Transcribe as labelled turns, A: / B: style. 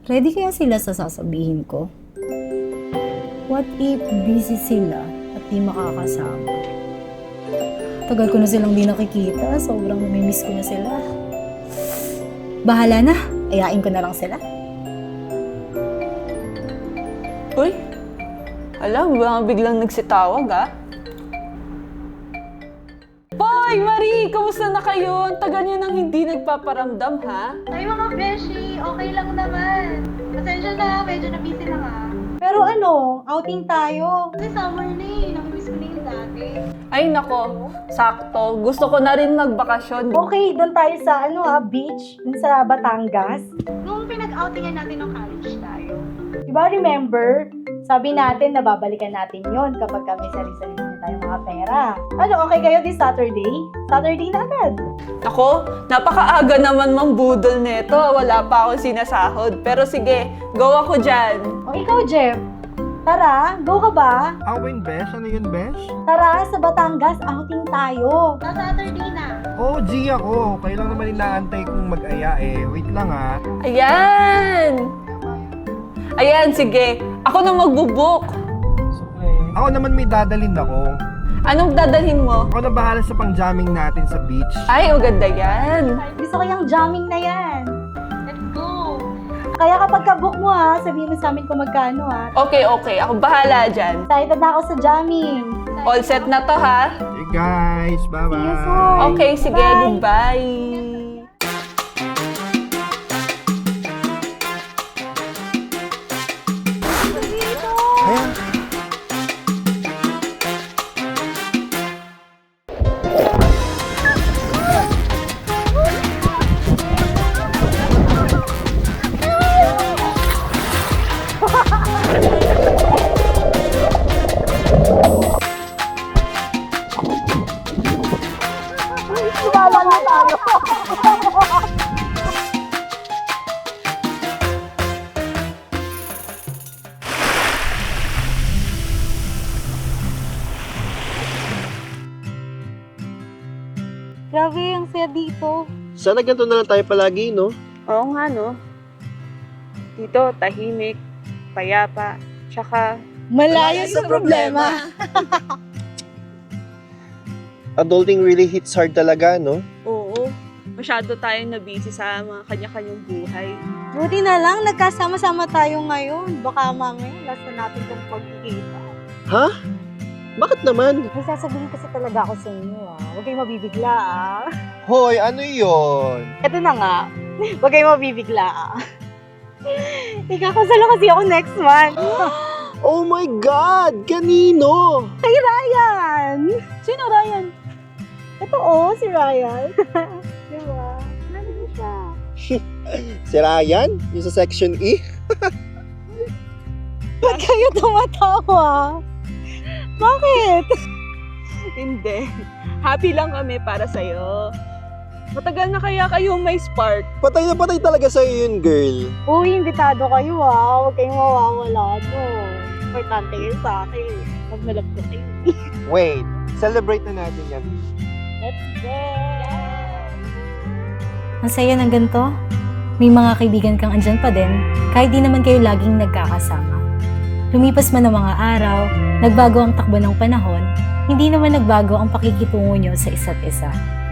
A: Ready kaya sila sa sasabihin ko? What if busy sila at di makakasama? Tagal ko na silang di nakikita, sobrang namimiss ko na sila. Bahala na, ayain ko na lang sila.
B: Uy, alam, biglang nagsitawag ah. Hoy, Marie! Kamusta na kayo? Ang tagal niyo nang hindi nagpaparamdam, ha?
C: Ay mga beshi, okay lang naman. Pasensya na, medyo na-busy lang ah.
D: Pero outing tayo.
C: Kasi summer na eh, namimiss ko na yung dati.
B: Ay, nako. Sakto. Gusto ko na rin magbakasyon.
D: Okay, doon tayo sa beach, dun sa Batangas.
C: Nung pinag-outingan natin ng college tayo.
D: Diba remember, sabi natin na babalikan natin yon kapag kami sarili-sarili na tayo mga pera. Okay kayo this Saturday? Saturday na agad.
B: Ako, napakaaga naman mang budol neto. Wala pa akong sinasahod. Pero sige, go ako dyan.
D: O ikaw, Jeff, tara, go ka ba?
E: Awin, Besh? Ano yun, Besh?
D: Tara, sa Batangas, outing tayo.
C: Sa Saturday na.
E: Oo, G ako. Kayo lang naman inaantay kong mag-aya eh. Wait lang ah.
B: Ayan! Ayan, sige. Ako na magbubook.
E: Ako naman may dadalhin ako.
B: Anong dadalhin mo?
E: Ako na bahala sa pang-jamming natin sa beach.
B: Ay, maganda yan.
D: Gusto ko yung jamming na yan.
C: Let's go!
D: Kaya kapag ka-book mo sabihin mo sa amin kung magkano
B: Okay. Ako bahala dyan.
D: Excited na ako sa jamming.
B: All set na to, ha?
E: Hey guys, bye-bye.
D: See you soon.
B: Okay, sige.
D: Bye.
B: Goodbye.
E: Ayan.
D: Wala na tayo. Grabe, ang saya dito.
F: Sana ganito na lang tayo palagi, no?
B: Oo nga, no? Dito, tahimik, payapa, tsaka
D: Malayo sa problema.
F: Adulting really hits hard talaga, no?
B: oo, masyado tayong nabisi sa mga kanya-kanyang buhay.
D: Buti na lang, nagkasama-sama tayo ngayon. Baka mamaya, last na natin itong pagkikita.
F: Ha? Bakit naman?
D: May sasabihin kasi talaga ako sa inyo Huwag kayong mabibigla
F: Hoy, ano yon?
D: Ito na nga, huwag kayong mabibigla Ikakasalo kasi ako next month.
F: Oh my God! Kanino?
D: Kay Ryan! Sino Ryan? Ito si Ryan. Diba? Nandito siya.
F: Si Ryan? Yung sa Section E?
D: Ba't kayo tumatawa? Bakit?
B: Hindi. Happy lang kami para sa'yo. Matagal na kaya kayo may spark.
F: Patay na patay talaga sa'yo yun, girl.
D: Uy, imbitado kayo Huwag kayong mawawala Importante kayo sa akin. Pag nalab ko kayo.
F: Wait, celebrate na natin yan.
D: Let's go!
A: Ang saya ng ganito. May mga kaibigan kang andyan pa din, kahit di naman kayo laging nagkakasama. Lumipas man ang mga araw, nagbago ang takbo ng panahon, hindi naman nagbago ang pakikitungo nyo sa isa't isa.